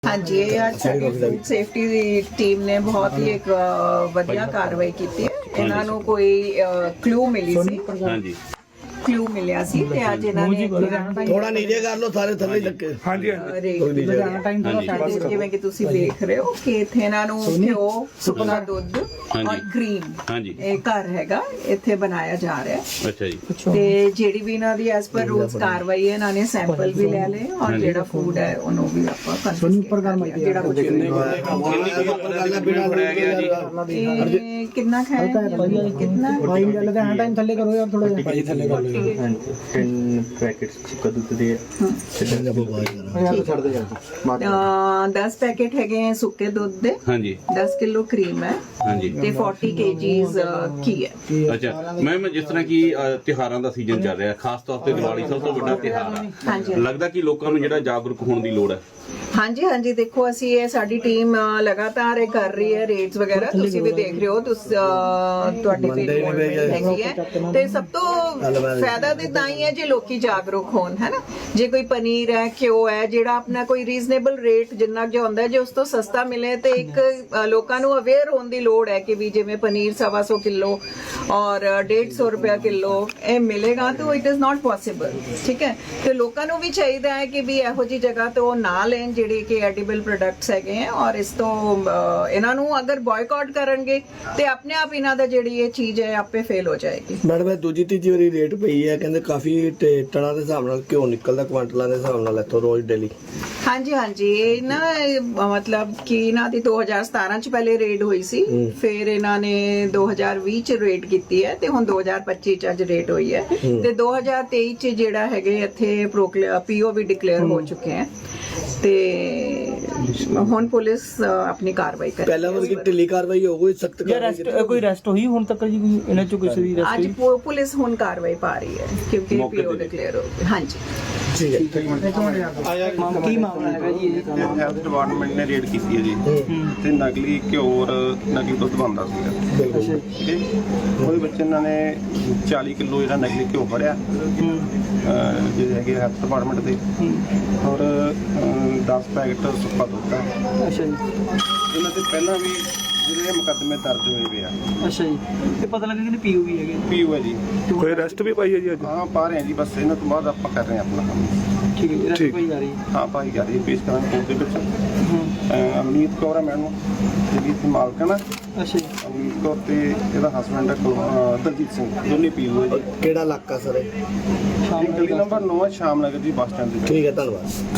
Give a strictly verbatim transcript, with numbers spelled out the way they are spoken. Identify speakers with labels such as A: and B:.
A: हाँ जी, ये आज साडी फूड सेफ्टी ਦੀ ਟੀਮ ਨੇ ਬਹੁਤ ਹੀ ਇੱਕ ਵਧੀਆ ਕਾਰਵਾਈ ਕੀਤੀ ਹੈ। ਇਹਨਾਂ ਨੂੰ ਕੋਈ ਕਲੂ ਮਿਲੀ ਸੀ,
B: ਹਾਂਜੀ
A: ਕਲੂ ਮਿਲਿਆ ਸੀ ਤੇ ਅੱਜ ਇਹਨਾਂ ਨੇ
C: ਥੋੜਾ ਨੀਚੇ ਕਰ ਲਓ, ਸਾਰੇ ਥੱਲੇ ਲੱਗੇ।
B: ਹਾਂਜੀ
A: ਲੁਧਿਆਣਾ ਟਾਈਮ ਥੋੜਾ ਜਿਵੇਂ ਕਿ ਤੁਸੀਂ ਦੇਖ ਰਹੇ ਹੋ ਕਿ ਇੱਥੇ ਇਹਨਾਂ ਨੂੰ ਘਿਓ, ਸੁੱਕਾ ਦੁੱਧ ਔਰ ਕਰੀਮ,
B: ਹਾਂਜੀ
A: ਇਹ ਘਰ ਹੈਗਾ ਇੱਥੇ ਬਣਾਇਆ ਜਾ ਰਿਹਾ ਹੈ।
B: ਅੱਛਾ ਜੀ।
A: ਤੇ ਜਿਹੜੀ ਵੀ ਇਹਨਾਂ ਦੀ ਐਸ ਪਰ ਰੂਲਸ ਕਾਰਵਾਈ ਹੈ, ਇਹਨਾਂ ਨੇ ਸੈਂਪਲ ਵੀ ਲੈ ਲਏ ਔਰ ਜਿਹੜਾ ਫੂਡ ਹੈ ਉਹਨੂੰ ਵੀ ਆਪਾਂ ਕੰਫਰਮ ਜਿਹੜਾ ਕੁਝ ਕਿੰਨਾ ਖਾਇਆ ਕਿੰਨਾ
D: ਫਾਈਨ ਗੱਲ ਤਾਂ ਟਾਈਮ ਥੱਲੇ ਕਰੋ ਯਾਰ, ਥੋੜਾ ਜਿਹਾ ਭਾਈ ਥੱਲੇ ਕਰ ਲਓ।
E: ten पैकेट्स सुक्का दूध दे
D: ਛੱਡ ਦੇ ਯਾਰ।
A: दस पैकेट ਹੈਗੇ ਆ ਸੁੱਕੇ ਦੁੱਧ ਦੇ,
B: ਹਾਂਜੀ
A: दस ਕਿਲੋ ਕਰੀਮ ਹੈ
B: ਹਾਂਜੀ
A: ਤੇ ਚਾਲੀ ਕੇਜੀਜ਼ ਘੀ ਹੈ।
B: ਅੱਛਾ ਮੈਮ, ਜਿਸ ਤਰ੍ਹਾਂ ਕਿ ਅ, ਤਿਉਹਾਰਾਂ ਦਾ ਸੀਜ਼ਨ ਚੱਲ ਰਿਹਾ, ਖਾਸ ਤੌਰ ਤੇ ਦੀਵਾਲੀ ਸਭ ਤੋਂ ਵੱਡਾ ਤਿਉਹਾਰ ਹੈ,
A: ਹਾਂਜੀ
B: ਲੱਗਦਾ ਕਿ ਲੋਕਾਂ ਨੂੰ ਜਿਹੜਾ ਜਾਗਰੂਕ ਹੋਣ ਦੀ ਲੋੜ ਹੈ।
A: ਹਾਂਜੀ ਹਾਂਜੀ, ਦੇਖੋ ਅਸੀਂ ਇਹ ਸਾਡੀ ਟੀਮ ਲਗਾਤਾਰ ਇਹ ਕਰ ਰਹੀ ਹੈ ਰੇਡਸ ਵਗੈਰਾ, ਤੁਸੀਂ ਵੀ ਦੇਖ ਰਹੇ ਹੋ, ਤੁਸੀਂ ਅਹ, ਤੁਹਾਡੀ ਫੀਡਬੈਕ ਹੈਗੀ ਹੈ ਤੇ ਸਭ ਤੋਂ ਫਾਇਦਾ ਤੇ ਤਾਂ ਹੀ ਹੈ ਜੇ ਲੋਕੀ ਜਾਗਰੂਕ ਹੋਣ, ਹੈ ਨਾ। ਜੇ ਕੋਈ ਪਨੀਰ ਹੈ, ਘਿਓ ਹੈ, ਜਿਹੜਾ ਆਪਣਾ ਕੋਈ ਰੀਜ਼ਨੇਬਲ ਰੇਟ ਜਿੰਨਾ ਜੋ ਹੁੰਦਾ ਜੇ ਉਸ ਤੋਂ ਸਸਤਾ ਮਿਲੇ ਤੇ ਇੱਕ ਅ, ਲੋਕਾਂ ਨੂੰ ਅਵੇਅਰ ਹੋਣ ਦੀ ਲੋੜ ਹੈ ਕਿ ਵੀ ਜਿਵੇਂ ਪਨੀਰ ਸਵਾ ਸੌ ਕਿਲੋ ਔਰ ਡੇਢ ਸੌ ਰੁਪਇਆ ਕਿਲੋ ਇਹ ਮਿਲੇਗਾ ਤਾਂ ਇਟ ਇਜ਼ ਨਾਟ ਪੋਸੀਬਲ, ਠੀਕ ਹੈ। ਤੇ ਲੋਕਾਂ ਨੂੰ ਵੀ ਚਾਹੀਦਾ ਹੈ ਕਿ ਵੀ ਇਹੋ ਜੀ ਜਗ੍ਹਾ ਤੋਂ ਉਹ ਨਾ ਲੈਣ ਜਿਹੜੇ ਕਿ ਐਡੀਬਲ ਪ੍ਰੋਡਕਟਸ ਹੈਗੇ ਹੈ ਔਰ ਇਸ ਤੋਂ ਅ, ਇਹਨਾਂ ਨੂੰ ਅਗਰ ਬਾਇਕਾਟ ਕਰਨਗੇ ਤੇ ਆਪਣੇ ਆਪ ਇਹਨਾਂ ਦਾ ਜਿਹੜੀ ਇਹ ਚੀਜ਼ ਹੈ ਆਪੇ ਫੇਲ ਹੋ ਜਾਏਗੀ।
C: ਮੈਡਮ ਇਹ ਦੂਜੀ ਤੀਜੀ ਵਾਰੀ ਰੇਟ ਪਈ ਹੈ, ਕਹਿੰਦੇ ਕਾਫੀ ਤੇ ਟਨਾਂ ਦੇ ਹਿਸਾਬ ਨਾਲ ਘਿਓ ਨਿਕਲਦਾ, ਕੁਆਂਟਲਾਂ ਦੇ ਹਿਸਾਬ ਨਾਲ ਇੱਥੋਂ ਰੋਜ਼ ਡੇਲੀ।
A: ਹਾਂਜੀ ਹਾਂਜੀ, ਇਹ ਨਾ ਇਹ ਮਤਲਬ ਕਿ ਇਹਨਾਂ ਦੀ ਦੋ ਹਜ਼ਾਰ ਸਤਾਰਾਂ ਚ ਪਹਿਲੇ ਰੇਡ ਹੋਈ ਸੀ, ਫਿਰ ਇਹਨਾਂ ਨੇ ਦੋ ਹਜ਼ਾਰ ਵੀਹ ਚ ਰੇਡ ਕੀਤੀ ਹੈ ਤੇ ਹੁਣ ਦੋ ਹਜ਼ਾਰ ਪੱਚੀ ਚ ਅੱਜ ਰੇਡ ਹੋਈ ਹੈ ਤੇ ਦੋ ਹਜ਼ਾਰ ਤੇਈ ਚ ਜਿਹੜਾ ਹੈਗੇ ਇੱਥੇ ਪੀਓ ਵੀ ਡਿਕਲੇਅਰ ਹੋ ਚੁੱਕੇ ਹੈ ਤੇ ਹੁਣ ਪੁਲਿਸ ਆਪਣੀ ਕਾਰਵਾਈ ਕਰ ਰਹੀ ਹੈ।
C: ਪਹਿਲਾਂ ਵਰਗੀ ਢਿੱਲੀ ਕਾਰਵਾਈ ਹੋ ਗਈ, ਸਖਤ
D: ਰੈਸਟ ਕੋਈ ਰੈਸਟ ਹੋਈ ਹੁਣ ਤੱਕ ਜੀ, ਕੋਈ ਇਹਨਾਂ ਚੋਂ ਕਿਸੇ ਦੀ ਰੈਸਟ
A: ਅੱਜ
D: ਹੋਈ?
A: ਪੁ- ਪੁਲਿਸ ਹੁਣ ਕਾਰਵਾਈ ਪਾ ਰਹੀ ਹੈ ਕਿਉਂਕਿ ਪੀਓ ਡਿਕਲੇਅਰ ਹੋ ਗਿਆ। ਹਾਂਜੀ
C: ਠੀਕ ਹੈ।
D: ਕੀ ਮਾਮਲਾ ਹੈਗਾ ਜੀ ਇਹ ਕੰਮ?
F: ਹੈਲਥ ਡਿਪਾਰਟਮੈਂਟ ਨੇ ਰੇਡ ਕੀਤੀ ਹੈ ਜੀ ਤੇ ਨਕਲੀ ਘਿਓ ਔਰ ਨਕਲੀ ਦੁੱਧ ਬਣਦਾ ਸੀਗਾ,
D: ਅੱਛਾ ਜੀ।
F: ਠੀਕ ਹੈ ਜੀ। ਉਹਦੇ ਵਿੱਚ ਇਹਨਾਂ ਨੇ ਚਾਲੀ ਕਿਲੋ ਜਿਹੜਾ ਨਕਲੀ ਘਿਓ ਫੜਿਆ, ਅਹ ਜਿਹੜੇ ਹੈਗੇ ਹੈਲਥ ਡਿਪਾਰਟਮੈਂਟ ਦੇ, ਔਰ ਦਸ ਪੈਕਟ ਸੁੱਕਾ ਦੁੱਧ ਹੈ।
D: ਅੱਛਾ ਜੀ
F: ਇਹਨਾਂ ਤੇ ਪਹਿਲਾਂ ਵੀ ਜਿਹੜੇ ਮੁਕੱਦਮੇ ਦਰਜ ਹੋਏ ਵੇ ਆ।
D: ਅੱਛਾ ਜੀ, ਇਹ ਪਤਾ ਲੱਗਾ ਕਿ ਪੀਓ ਵੀ ਹੈਗੇ।
F: ਪੀਓ ਹੈ ਜੀ।
B: ਕੋਈ ਅਰੈਸਟ ਵੀ ਪਾਈ ਹੈ ਜੀ ਅੱਜ?
F: ਹਾਂ ਪਾ ਰਹੇ ਹਾਂ ਜੀ, ਬਸ ਇਹਨਾਂ ਤੋਂ ਬਾਅਦ ਆਪਾਂ ਕਰ ਰਹੇ ਹਾਂ ਆਪਣਾ ਕੰਮ।
D: ਠੀਕ ਹੈ ਜੀ, ਰੈਸਟ ਕੋਈ ਜਾ ਰਹੀ ਹੈ?
F: ਹਾਂ ਭਾਈ ਜਾ ਰਹੀ ਹੈ, ਪੇਸ਼ ਕਰਾਂਗੇ ਕੋਰਟ ਦੇ ਵਿੱਚ। ਅਹ ਅਮਨੀਤ ਕੌਰ ਹੈ ਮੈਡਮ, ਜਿਹੜੀ ਇੱਥੇ ਮਾਲਕ ਹੈ ਨਾ,
D: ਅੱਛਾ ਜੀ।
F: ਅਮਨੀਤ ਕੌਰ ਤੇ ਇਹਦਾ ਹਸਬੈਂਡ ਹੈ ਕੁਲ- ਦਲਜੀਤ ਸਿੰਘ, ਦੋਨੇ ਪੀਓ ਹੈ ਜੀ।
C: ਕਿਹੜਾ ਇਲਾਕਾ ਸਰ ਇਹ?
D: ਸ਼ਾਮ
F: ਇਹ ਗਲੀ ਨੰਬਰ ਨੌ ਹੈ, ਸ਼ਾਮ ਨਗਰ ਜੀ, ਬੱਸ ਸਟੈਂਡ ਦੇ ਵਿੱਚ।
C: ਠੀਕ ਹੈ, ਧੰਨਵਾਦ।